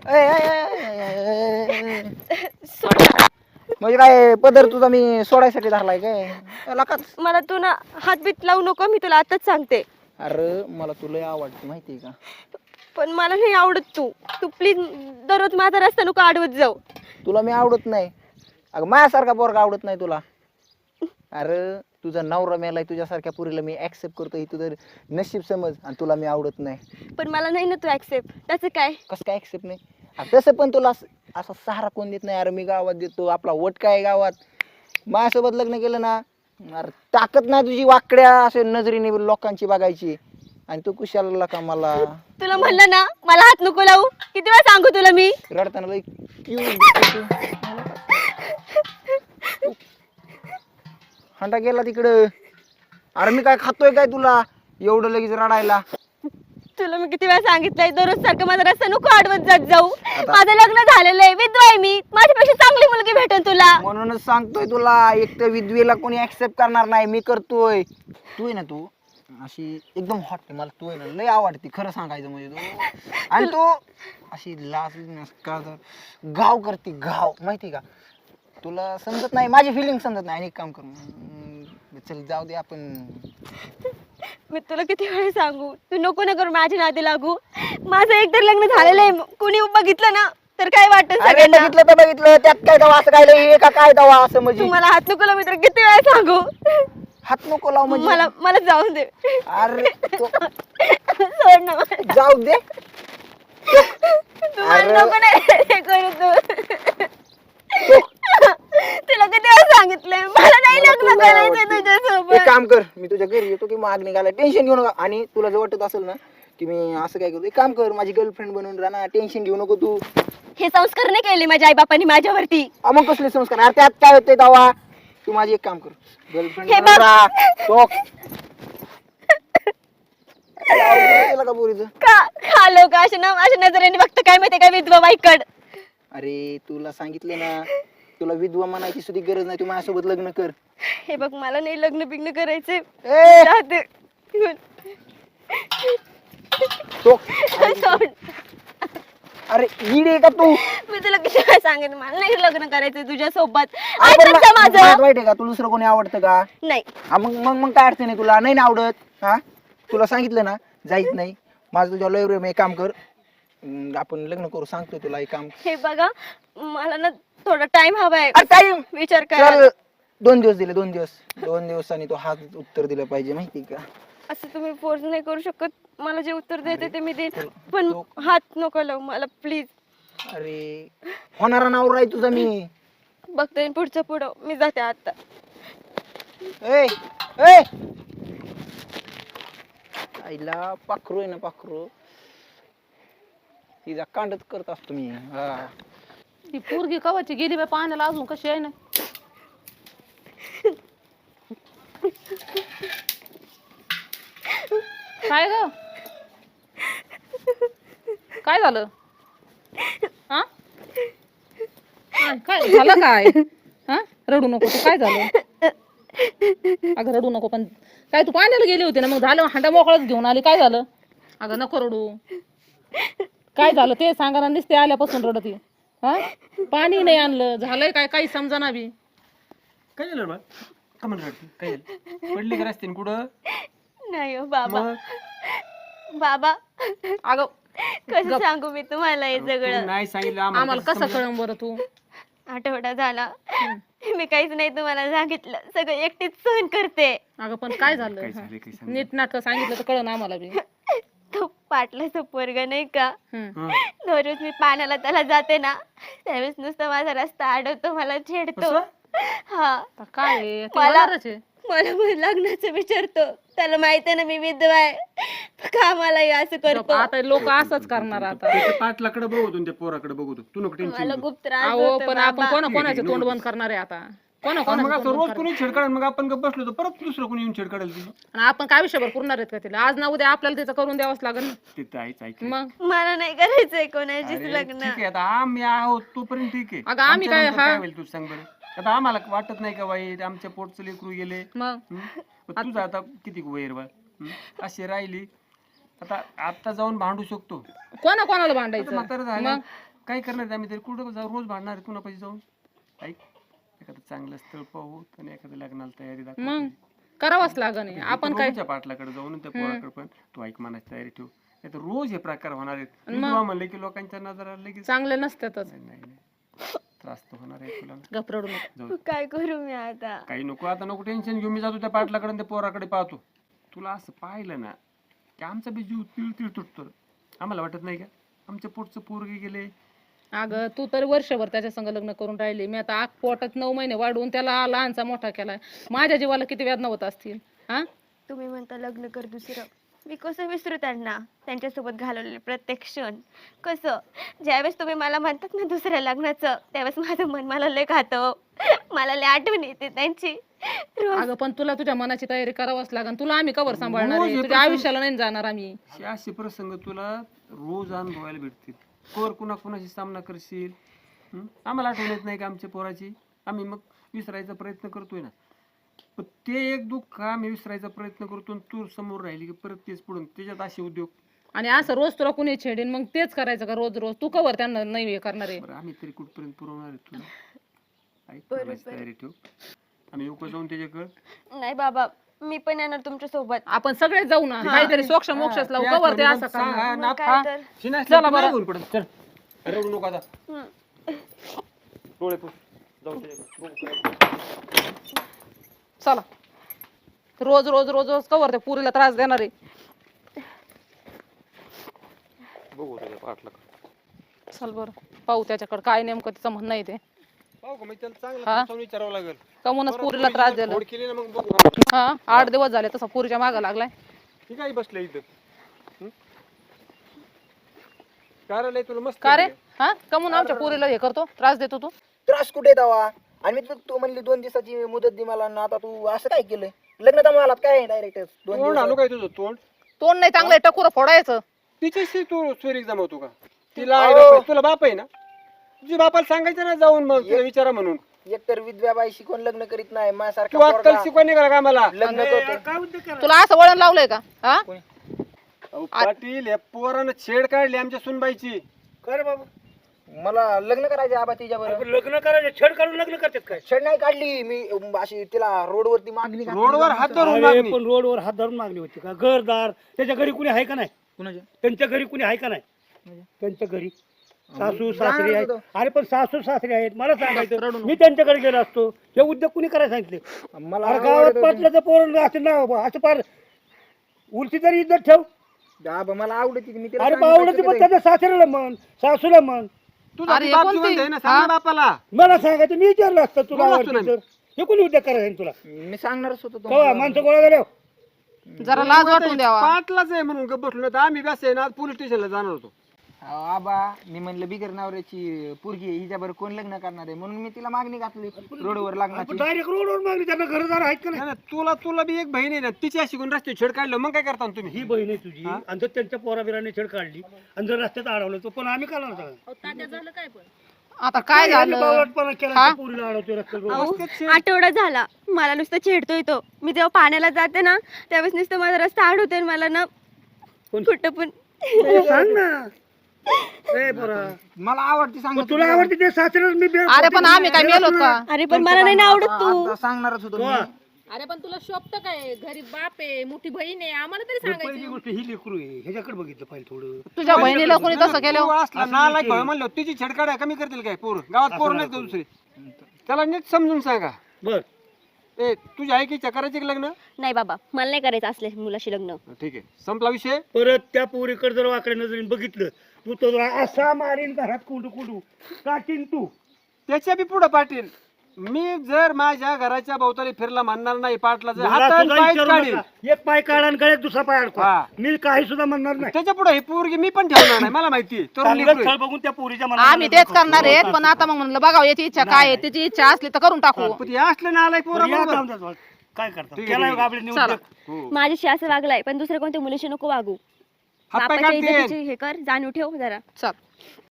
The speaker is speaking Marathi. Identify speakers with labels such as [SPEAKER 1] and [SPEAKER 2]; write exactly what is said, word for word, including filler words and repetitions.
[SPEAKER 1] ए, ए, ए, ए, ए. म्हणजे काय पदर तुझा मी सोडायसाठी धरलाय काय लकाच.
[SPEAKER 2] मला तू ना हातबीत लावू नको, मी तुला आताच सांगते.
[SPEAKER 1] अरे मला तुला आवडते माहितीये का.
[SPEAKER 2] पण मला नाही आवडत तू तू प्लीज दररोज माझा रस्ता नको अडवत जाऊ.
[SPEAKER 1] तुला मी आवडत नाही. अगं माझ्यासारखा पोरगा आवडत नाही तुला. अरे तुझा नवरा मेलाय, तुझ्यासारख्या पुरीला मी ऍक्सेप्ट करतो, ही तुझं नशीब समज, आणि तुला मी आवडत नाही.
[SPEAKER 2] पण मला नाही ना तू ऍक्सेप्ट. त्याचं काय?
[SPEAKER 1] कसं काय ऍक्सेप्ट नाही? अरे तसं पण तुला असं- असा सहारा कोण देत नाही. अरे मी गावात देतो, आपला वट काय गावात. माझ्यासोबत लग्न केलं ना, अरे ताकद नाही तुझी वाकड्या असे नजरेने लोकांची बघायची, आणि तू कुशाला का मला.
[SPEAKER 2] तुला म्हणलं ना मला हात नको लावू, किती वेळा सांगू तुला मी.
[SPEAKER 1] रडताना लई cute दिसते तू. हंडा गेला तिकडं. अरे मी काय खातोय काय तुला एवढं लगेच रडायला.
[SPEAKER 2] तुला मी किती वेळा सांगितलंय दररोज सारखं माझा रस्ता नको अडवत जात जाऊ. माझं लग्न झालेलं आहे, विधवा आहे मी, माझ्यापेक्षा चांगली मुलगी भेटेल तुला.
[SPEAKER 1] म्हणूनच सांगतोय तुला, एक तर विधवेला कोणी ऍक्सेप्ट करणार नाही, मी करतोय. तू आहे ना, तू अशी एकदम हॉट आहे, मला तू आहे ना लय आवडते खरं सांगायचं म्हणजे. तू आणि तू अशी लाज का गाव करते गाव, माहिती का. तुला समजत नाही माझी फिलिंग, समजत नाही. आणि एक काम कर, हम्म, चल जाऊ दे आपण.
[SPEAKER 2] मी तुला किती वेळा सांगू, तू नको ना करू माझी नादी लागू. माझं एकतर लग्न झालेलं आहे, कोणी बघितलं ना तर काय वाटत
[SPEAKER 1] अरे
[SPEAKER 2] सगळ्यांना.
[SPEAKER 1] बघितलं तर बघितलं, त्यात काय दवा असं काय लय हे का काय दवा असं म्हणजे.
[SPEAKER 2] तू मला हात नको लावू, मी तर किती वेळा सांगू.
[SPEAKER 1] हात नको लाव म्हणजे.
[SPEAKER 2] मला मला जाऊन दे.
[SPEAKER 1] अरे तो-
[SPEAKER 2] सोड ना मला.
[SPEAKER 1] जाऊ दे.
[SPEAKER 2] तू मला
[SPEAKER 1] अरे.
[SPEAKER 2] नको ना हे करू तू.
[SPEAKER 1] तो-
[SPEAKER 2] तुला किती वेळा सांगितलंय मला नाही
[SPEAKER 1] मला
[SPEAKER 2] लग्न
[SPEAKER 1] तुला
[SPEAKER 2] करायचं
[SPEAKER 1] आवडते.
[SPEAKER 2] तुझ्यासोबत.
[SPEAKER 1] एक काम कर, मी तुझ्या घरी येतो की मागणी घाला, टेन्शन घेऊ नका. आणि तुला जर वाटत असेल ना की मी असं काय करतो, एक काम कर, माझी गर्लफ्रेंड बनवून राहा ना, टेन्शन घेऊ नको तू.
[SPEAKER 2] हे संस्कार नाही केले माझ्या आई बापांनी माझ्यावरती.
[SPEAKER 1] अ, मग कसले संस्कार. अरे त्यात काय होते दवा. तू माझी एक काम कर, गर्लफ्रेंड
[SPEAKER 2] हे
[SPEAKER 1] बनवून
[SPEAKER 2] बघ.
[SPEAKER 1] राहा. तो का पोरीचं.
[SPEAKER 2] का का लोक अशा ना अशा नजरेने बघतं काय माहिती काय विधवा बाईकड.
[SPEAKER 1] अरे तुला सांगितलं ना, तुला विधवा म्हणायची सुद्धा गरज नाही, तू माझ्यासोबत लग्न कर.
[SPEAKER 2] हे बघ मला नाही लग्न बिग्न करायचे.
[SPEAKER 1] ए
[SPEAKER 2] राहते.
[SPEAKER 1] तो
[SPEAKER 2] सोड.
[SPEAKER 1] अरे ईड आहे का तू.
[SPEAKER 2] मी तुला किती वेळा सांगितलं मला नाही लग्न करायचंय तुझ्या सोबत.
[SPEAKER 1] आपण
[SPEAKER 2] ऐकत जा माझं.
[SPEAKER 1] वाईट आहे का, तुला दुसरं कोणी आवडतं का.
[SPEAKER 2] नाही
[SPEAKER 1] हा मग मग मग काय अडचण आहे तुला, नाही ना आवडत. हा तुला सांगितलं ना जायच नाही माझं तुझ्या लय प्रेम आहे. एक काम कर, अं, आपण लग्न करू, सांगतोय तुला एक काम.
[SPEAKER 2] हे बघा मला ना थोडा टाइम हवाय
[SPEAKER 1] टाइम
[SPEAKER 2] विचार करा.
[SPEAKER 1] चल, दोन दिवस दिले, दोन दिवस दोन दिवसांनी तो हाच उत्तर दिलं पाहिजे, माहिती का.
[SPEAKER 2] असं तुम्ही फोर्स नाही करू शकत. मला जे उत्तर द्यायचं ते मी देईन,
[SPEAKER 1] तो-
[SPEAKER 2] पण
[SPEAKER 1] तो-
[SPEAKER 2] हात नको लावू मला प्लीज.
[SPEAKER 1] अरे होणारा नवरा आहे तुझा मी.
[SPEAKER 2] बघते पुढचं पुढं, मी जाते आता.
[SPEAKER 1] ए ए आईला पाखरू आहे ना, पाखरू तिचा कांडच करत असतो मी. हा
[SPEAKER 3] ती पोरगी कवाची गेली बाई पाण्याला, अजून कशी आहे ना. काय ग काय झालं हा काय- काय झालं काय हा रडू नको तू, काय झालं. अगं रडू नको, पण काय तू पाण्याला गेली होती ना, मग झालं हांडा मोकळाच घेऊन आली, काय झालं. अगं नको रडू, काय झालं ते सांगा ना. नुसते आल्यापासून रडती. हा पाणी नाही आणलं, झालंय काय काही समजा बी.
[SPEAKER 4] काय झालं बा कमन रडती, काय झालं, पडली का रस्त्याने कुठं.
[SPEAKER 2] नाही हो बाबा.
[SPEAKER 4] मग
[SPEAKER 2] बाबा
[SPEAKER 3] अगं
[SPEAKER 2] कसं सांगू मी तुम्हाला हे
[SPEAKER 4] तू
[SPEAKER 2] सगळं.
[SPEAKER 4] नाही सांगितलं
[SPEAKER 3] आम्हाला कसं कळण बरं तू.
[SPEAKER 2] आठवडा झाला मी काहीच नाही तुम्हाला सांगितलं, सगळं एकटीच सहन करते.
[SPEAKER 3] अगं पण काय झालं.
[SPEAKER 4] काय झालं, काय झालं?
[SPEAKER 3] नीट नाटक सांगितलं तर कळण आम्हाला बी.
[SPEAKER 2] तो पाटलाचा पोरग नाही का,
[SPEAKER 3] हम्म.
[SPEAKER 4] हं.
[SPEAKER 2] दररोज मी पाण्याला त्याला जाते ना, त्यावेळेस नुसतं माझा रस्ता अडवतो, मला छेडतो.
[SPEAKER 4] असं?
[SPEAKER 2] हा
[SPEAKER 3] आता काय आहे, ते
[SPEAKER 2] मला-
[SPEAKER 3] होणारच आहे.
[SPEAKER 2] मला मग लग्नाचं विचारतो, त्याला माहित आहे ना मी विधवा आहे, का मला हे असं करतो.
[SPEAKER 3] आता लोक असंच करणार आता.
[SPEAKER 4] त्याच्या पाटलाकडे बघतो आणि त्या पोराकडे बघतो, तू नको टेन्शन
[SPEAKER 2] मला
[SPEAKER 4] घेऊ.
[SPEAKER 2] खूप त्रास
[SPEAKER 3] अहो
[SPEAKER 2] होतो
[SPEAKER 3] पण आपण
[SPEAKER 2] बाबा.
[SPEAKER 3] कोणा कोणाचे तोंड बंद करणार आहे आता. कोणा
[SPEAKER 4] मग
[SPEAKER 3] कोणाचं
[SPEAKER 4] असं
[SPEAKER 3] तोंड
[SPEAKER 4] रोज
[SPEAKER 3] बंद
[SPEAKER 4] कोणी छेड काढेल, मग आपण गप्प बसलो तर परत दुसरं कोणी येऊन छेड काढेल तिची.
[SPEAKER 3] करणार? आणि आपण काय विषयभर पुरणार आहेत का तिला. आज ना उद्या आपल्याला तिचं करून द्यावंच लागेल ना.
[SPEAKER 4] तिथं आहेच ऐक.
[SPEAKER 3] मग
[SPEAKER 2] मला नाही करायचंय कोणाचीच
[SPEAKER 4] अरे,
[SPEAKER 2] लग्न.
[SPEAKER 4] ठीक आहे, आता आम्ही आहोत तोपर्यंत ठीक आहे.
[SPEAKER 3] अगं, आम्ही काय-
[SPEAKER 4] आमच्यानंतर
[SPEAKER 3] हा.
[SPEAKER 4] काय होईल तू सांग बरं. आता आम्हाला वाटत नाही का वाईट, आमच्या पोटचं लेकरू गेले.
[SPEAKER 3] मग
[SPEAKER 4] हं? पण तुझं आता किती वैर बा अशी राहिली. आता आता जाऊन भांडू शकतो.
[SPEAKER 3] कोणा कोणाला
[SPEAKER 4] आता
[SPEAKER 3] भांडायचं
[SPEAKER 4] म्हातारं झालं,
[SPEAKER 3] मग
[SPEAKER 4] काय करणार आम्ही तरी कुठं जाऊ रोज भांडणार आहे पुन्हा पैसे जाऊन ऐक एखादं चांगलं स्थळ पाहू आणि एखाद्या लग्नाला तयारी दाखव
[SPEAKER 3] मग करावंच लागन हे. आपण काय
[SPEAKER 4] रोजच्या पाटलाकडे जाऊन त्या पोराकडे पण तू ऐक मनाची तयारी ठेव नाही तर रोज हे प्रकार होणार आहेत मी तुला म्हणलं की लोकांच्या नजरा लगेच
[SPEAKER 3] चांगले नसतातच.
[SPEAKER 4] नाही नाही नाही. त्रास तर होणार आहे तुला
[SPEAKER 3] गप रडू नको.
[SPEAKER 4] जाऊ
[SPEAKER 2] काय करू मी आता?
[SPEAKER 4] काही नको आता नको टेन्शन घेऊ मी जातो त्या पाटलाकडे आणि त्या पोराकडे पाहतो तुला असं पाहिलं ना की आमचा बी जीव तिळ तिळ तुटतो आम्हाला वाटत नाही का आमच्या पोटचं पोरगे गेले
[SPEAKER 3] अगं तू तर वर्षभर त्याच्या संग लग्न करून राहिली मी आता आग पोटात नऊ महिने वाढवून त्याला लहानचा मोठा केलाय माझ्या जीवाला किती वेदना होत असतील. हा
[SPEAKER 2] तुम्ही म्हणता लग्न कर दुसरं, मी कसं विसरू त्यांना, त्यांच्यासोबत घालवलेले प्रत्येक क्षण. कसं ज्यावेळेस तुम्ही मला म्हणतात ना दुसऱ्या लग्नाचं त्यावेळेस माझं मन मला लय खातं, मला लय आठवण येते त्यांची रोज.
[SPEAKER 3] अगं पण तुला तुझ्या मनाची तयारी करावंच लागेल. तुला आम्ही कवर सांभाळणार
[SPEAKER 4] रोज
[SPEAKER 3] आहे?
[SPEAKER 4] हे
[SPEAKER 3] तुझ्या
[SPEAKER 4] प्रसंग-
[SPEAKER 3] आयुष्याला नाही जाणार आम्ही.
[SPEAKER 4] हे असे प्रसंग तुला रोज अनुभवायला भेटतील कोर कुणा कुणाशी सामना करशील हं? आम्हाला आठवण येत नाही का आमच्या पोराची आम्ही मग विसरायचा प्रयत्न करतोय ना पण ते एक दुःख आम्ही विसरायचा प्रयत्न करतो आणि तू समोर राहिली की परत तेच पुढून त्याच्यात असे उद्योग
[SPEAKER 3] आणि असं रोज तुला कुणी छेडेन मग तेच करायचं का रोज रोज? तू कवर त्यांना नाही हे करणार आहे?
[SPEAKER 4] बरं आम्ही तरी कुठपर्यंत पुरवणार आहे तुला ऐक मनाची तयारी ठेव आम्ही येऊ का जाऊन त्याच्याकडे
[SPEAKER 2] नाही बाबा मी पण येणार तुमच्या सोबत.
[SPEAKER 3] आपण सगळे जाऊ ना काहीतरी सोक्ष मोक्षच लावू. कवर ते असं करणार.
[SPEAKER 2] मग काय तर.
[SPEAKER 4] चला बरं चल रडू नको आता
[SPEAKER 2] हं.
[SPEAKER 4] डोळे पुस जाऊ त्याच्याकडे
[SPEAKER 3] चला रोज रोज रोज रोज कवर ते पुरीला त्रास देणार आहे.
[SPEAKER 4] बघू त्याच्या पाठला
[SPEAKER 3] चल बरं पाहू त्याच्याकडे काय नेमकं तिचं म्हणणं आहे ते.
[SPEAKER 4] पाहू का मग त्याला
[SPEAKER 3] हा?
[SPEAKER 4] चांगलं समजावून विचारावं लागेल
[SPEAKER 3] कमूनच पुरीला त्रास दिला.
[SPEAKER 4] फोड केली ना मग बघू
[SPEAKER 3] हा आठ दिवस झाले तसा पुरीच्या मागं लागलाय.
[SPEAKER 4] ठीक आहे बसलं इथं हं? कारण तुला मस्त
[SPEAKER 3] का रे? हा कमून आमच्या पुरीला हे करतो त्रास देतो तू?
[SPEAKER 1] त्रास कुठे दवा आणि मी तू- तू म्हणली दोन दिवसाची मुदत दे मला ना आता तू असं काय केलंय लग्न तर मला काय डायरेक्ट दोन
[SPEAKER 4] तोंड आणू
[SPEAKER 1] दिवस
[SPEAKER 4] काय तुझं तोंड
[SPEAKER 3] तोंड नाही चांगलं टकुर फोडायचं.
[SPEAKER 4] तिच्याशी तू स्वर एक्झाम होतो का तिला आई बाप आहे, तुला बाप आहे ना तुझ्या बापाला सांगायचं ना जाऊन मग तिला विचारा म्हणून
[SPEAKER 1] एकतर विधव्याबाई शिकून लग्न करीत नाही
[SPEAKER 4] तू
[SPEAKER 1] माझ्यासारखा
[SPEAKER 4] अक्कल
[SPEAKER 1] पोरगा
[SPEAKER 4] शिकवणी करा का मला
[SPEAKER 1] लग्न करतो.
[SPEAKER 3] तुला असं वळण लावलंय का? हा
[SPEAKER 4] अहो, पाटील या पोरानं छेड काढली आमच्या सुनबाईची
[SPEAKER 1] कर बाबा मला लग्न करायचं आबा तिच्या बरोबर.
[SPEAKER 5] लग्न करायचं छेड काढून लग्न करतात काय?
[SPEAKER 1] छेड नाही काढली मी अं, अशी तिला रोडवरती मागणी घातली.
[SPEAKER 4] रोडवर हात धरून
[SPEAKER 5] अरे
[SPEAKER 4] मागणी.
[SPEAKER 5] पण रोडवर हात धरून मागणी होती का? घरदार त्याच्या घरी कुणी आहे का नाही?
[SPEAKER 1] कुणाच्या?
[SPEAKER 5] त्यांच्या घरी कुणी आहे का नाही? त्यांच्या घरी सासू सासरे
[SPEAKER 1] जाणार
[SPEAKER 5] आहेत.
[SPEAKER 1] होतो.
[SPEAKER 5] अरे पण सासू सासरे आहेत मला सांगायचं मी त्यांच्याकडे गेलो असतो. हे उद्योग कुणी करायला सांगितले?
[SPEAKER 1] मला
[SPEAKER 5] अरे गावात
[SPEAKER 1] आवडत होती.
[SPEAKER 5] पाटलाचं पोरण असं नाव बा, असं पार उलटी तरी इज्जत ठेव.
[SPEAKER 1] आबा मला आवडती ती, मी तिला
[SPEAKER 5] अरे
[SPEAKER 1] सांगितलं
[SPEAKER 5] आवडते
[SPEAKER 1] की
[SPEAKER 5] पण
[SPEAKER 1] ते-
[SPEAKER 5] त्याच्या सासऱ्याला म्हण सासूला म्हण.
[SPEAKER 4] तुझा
[SPEAKER 3] अरे,
[SPEAKER 4] बाप
[SPEAKER 3] कोणती?
[SPEAKER 4] जिवंत आहे ना सांग ना बापाला
[SPEAKER 5] मला सांगायचं मी विचारलं असतं तुला
[SPEAKER 4] बोललो असतो
[SPEAKER 5] आवडते
[SPEAKER 4] ना
[SPEAKER 5] तर हे कोणी उद्योग करायला सांगितलं तुला?
[SPEAKER 1] मी सांगणारच होतो
[SPEAKER 5] कवा
[SPEAKER 1] तुम्हाला.
[SPEAKER 5] माणसं गोळा झाल्या
[SPEAKER 3] जरा लाज वाटून द्यावा.
[SPEAKER 4] पाटलाच आहे म्हणून गप्प बसलो तर आम्ही बस आहे ना पोलीस स्टेशनला जाणार होतो
[SPEAKER 1] अहो, आबा मी म्हणलं बिगर नवऱ्याची पोरगी आहे, हिच्याबरोबर कोण लग्न करणार आहे म्हणून मी तिला मागणी घातली रोडवर लग्नाची.
[SPEAKER 5] डायरेक्ट रोडवर मागणी त्यांना घरदार आहेत का नाही?
[SPEAKER 4] नाही, नाही, तुला तुला बी एक बहीण आहे ना तिची अशी कोण रस्ते छेड काढलं मग काय करता तुम्ही
[SPEAKER 5] ही बहीण आहे तुझी आणि जर त्यांच्या पोराबिराने छेड काढली आणि जर रस्त्यात अडवलं तो पण आम्ही काढणार सगळं.
[SPEAKER 3] आता काय झालं?
[SPEAKER 5] बावळटपणा केला त्या पोरीला अडवतोय रस्त्यावर.
[SPEAKER 2] अहो, आठवडा झाला मला नुसतं छेडतोय तो. मी जेव्हा पाण्याला जाते ना त्यावेळेस नुसतं माझा रस्ता अडवतोय आणि मला ना
[SPEAKER 5] कोण?
[SPEAKER 2] कुठं पण
[SPEAKER 5] ए, सांग ना ए पोरा
[SPEAKER 1] मला आवडती सांग
[SPEAKER 5] मग तुला आवडते ते सासरे मी बे-
[SPEAKER 3] अरे पण आम्ही काय मेलो का?
[SPEAKER 2] अरे पण मला नाही ना आवडत तू.
[SPEAKER 1] आता सांगणारच होतो मी.
[SPEAKER 6] अरे पण तुला शोभत काय? घरी बाप आहे, मोठी बहीण आहे, आम्हाला तरी सांगायचं.
[SPEAKER 5] पहिली गोष्ट ही लेकरू आहे ह्याच्याकडे बघितलं पाहिजे थोडं.
[SPEAKER 3] तुझ्या बहिणीला कोणी तसं केलं?
[SPEAKER 4] तू असला नालायक भाऊ म्हणलं तिची छेड काढाय कमी करतील काय पोर गावात पोर नाहीत का दुसरे त्याला नीट समजून सांगा
[SPEAKER 5] बर
[SPEAKER 4] ए तुझ्या आई की करायचे का लग्न
[SPEAKER 2] नाही बाबा मला नाही करायचं असले मुलाशी लग्न.
[SPEAKER 4] ठीक आहे संपला विषय
[SPEAKER 5] परत त्या पोरीकडे जर वाकड्या नजरेने बघितलं तू तो जरा असा मारीन घरात कुंडू कुंडू काटीन तू.
[SPEAKER 4] त्याच्या बी पुढे पाटील मी जर माझ्या घराच्या भोवताली फिरला म्हणणार नाही पाटला जर
[SPEAKER 5] मला
[SPEAKER 4] हातान
[SPEAKER 5] सुद्धा
[SPEAKER 4] पाय
[SPEAKER 5] विचारू
[SPEAKER 4] काढील
[SPEAKER 5] नका. एक पाय काढा आणि गळ्यात दुसरा पाय अडकवा
[SPEAKER 4] हा.
[SPEAKER 5] मी काही सुद्धा म्हणणार नाही.
[SPEAKER 4] त्याच्या पुढे ही पोरगी मी पण ठेवणार नाही मला माहिती आहे. तरुण
[SPEAKER 5] चांगलं
[SPEAKER 4] लेकरू
[SPEAKER 5] स्थळ
[SPEAKER 4] आहे.
[SPEAKER 5] बघून त्या पोरीच्या मनाला
[SPEAKER 3] आम्ही तेच करणार आहेत पण आता मग म्हणलं बघावं याची इच्छा काय आहे. तिची इच्छा असली तर करून टाकू.
[SPEAKER 4] पण हे असलं ना आलाय पोरा
[SPEAKER 5] बरं, या
[SPEAKER 4] बरोबर.
[SPEAKER 5] जाऊन द्या जाऊन. काय करता
[SPEAKER 4] ठीक आहे,
[SPEAKER 5] त्याला
[SPEAKER 4] ठीक आहे.
[SPEAKER 5] गाबडे नेऊन द्या.
[SPEAKER 4] हो.
[SPEAKER 2] माझ्याशी असं वागलाय पण दुसऱ्या कोणत्या मुलीशी नको वागू.
[SPEAKER 4] हातपाय
[SPEAKER 2] बापाच्या
[SPEAKER 4] काढतील.
[SPEAKER 2] इज्जतीची हे कर जाणीव ठेव जरा.
[SPEAKER 3] चल